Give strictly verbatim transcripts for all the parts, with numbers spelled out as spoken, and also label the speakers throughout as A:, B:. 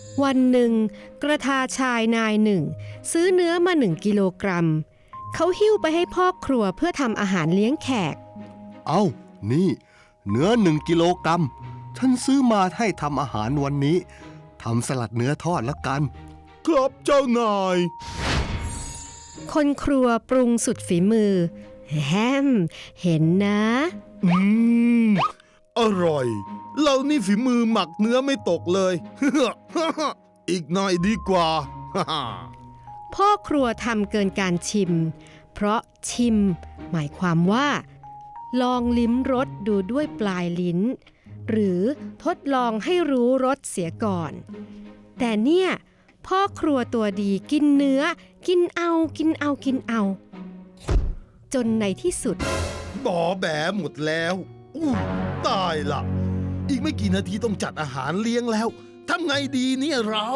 A: วันหนึ่งกระทาชายนายหนึ่งซื้อเนื้อมาหนึ่งกิโลกรัมเขาหิ้วไปให้พ่อครัวเพื่อทำอาหารเลี้ยงแขก
B: เอา้านี่เนื้อหนึ่งกิโลกรัมฉันซื้อมาให้ทำอาหารวันนี้ทำสลัดเนื้อทอดละกันครับเจ้านาย
A: คนครัวปรุงสุดฝีมือแฮมเห็นนะ
C: อืมอร่อยเรานี่ฝีมือหมักเนื้อไม่ตกเลย อีกหน่อยดีกว่า
A: พ่อครัวทำเกินการชิมเพราะชิมหมายความว่าลองลิ้มรสดูด้วยปลายลิ้นหรือทดลองให้รู้รสเสียก่อนแต่เนี่ยพ่อครัวตัวดีกินเนื้อกินเอากินเอากินเอาจนในที่สุด
C: บอแบหมดแล้วอู้ตายละอีกไม่กี่นาทีต้องจัดอาหารเลี้ยงแล้วทำไงดีเนี่ยเรา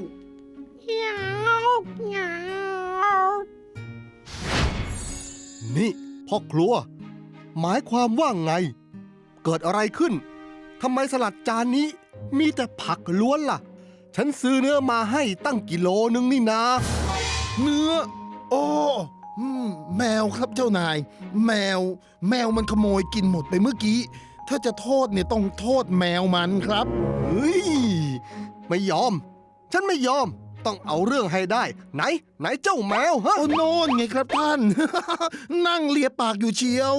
B: นี่พ่อครัวหมายความว่าไงเกิดอะไรขึ้นทำไมสลัดจานนี้มีแต่ผักล้วนล่ะฉันซื้อเนื้อมาให้ตั้งกิโลนึงนี่นา
C: เนื้อโอ้แมวครับเจ้านายแมวแมวมันขโมยกินหมดไปเมื่อกี้ถ้าจะโทษเนี่ยต้องโทษแมวมันครับ
B: เฮ้ยไม่ยอมฉันไม่ยอมต้องเอาเรื่องให้ได้ไหนไหนเจ้าแมวฮะ
C: โอ้โน่นไงครับท่าน นั่งเลียปากอยู่เชียว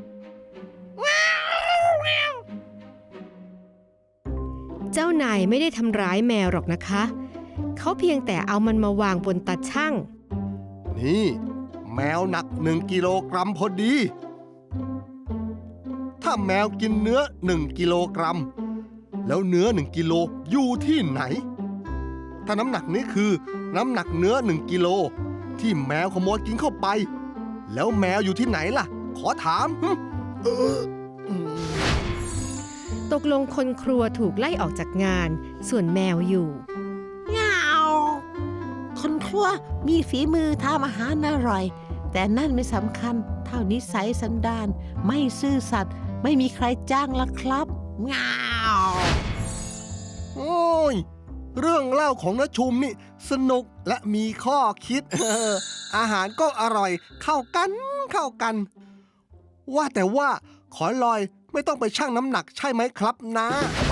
A: เจ้านายไม่ได้ทำร้ายแมวหรอกนะคะเขาเพียงแต่เอามันมาวางบนตาชั่ง
B: นี่แมวหนักหนึ่งกิโลกรัมพอดีถ้าแมวกินเนื้อหนึ่งกิโลกรัมแล้วเนื้อหนึ่งกิโลอยู่ที่ไหนถ้าน้ำหนักนี้คือน้ำหนักเนื้อหนึ่งกิโลที่แมวขโมยกินเข้าไปแล้วแมวอยู่ที่ไหนล่ะขอถาม
C: เออ
A: ตกลงคนครัวถูกไล่ออกจากงานส่วนแมวอยู่
D: เงาคนครัวมีฝีมือทำอาหารอร่อยแต่นั่นไม่สำคัญเท่านิสัยสันดานไม่ซื่อสัตย์ไม่มีใครจ้างละครับเงา
B: โอ้ยเรื่องเล่าของน้าชุมนี่สนุกและมีข้อคิด อาหารก็อร่อยเข้ากันเข้ากันว่าแต่ว่าขอลอยไม่ต้องไปชั่งน้ำหนักใช่ไหมครับนะ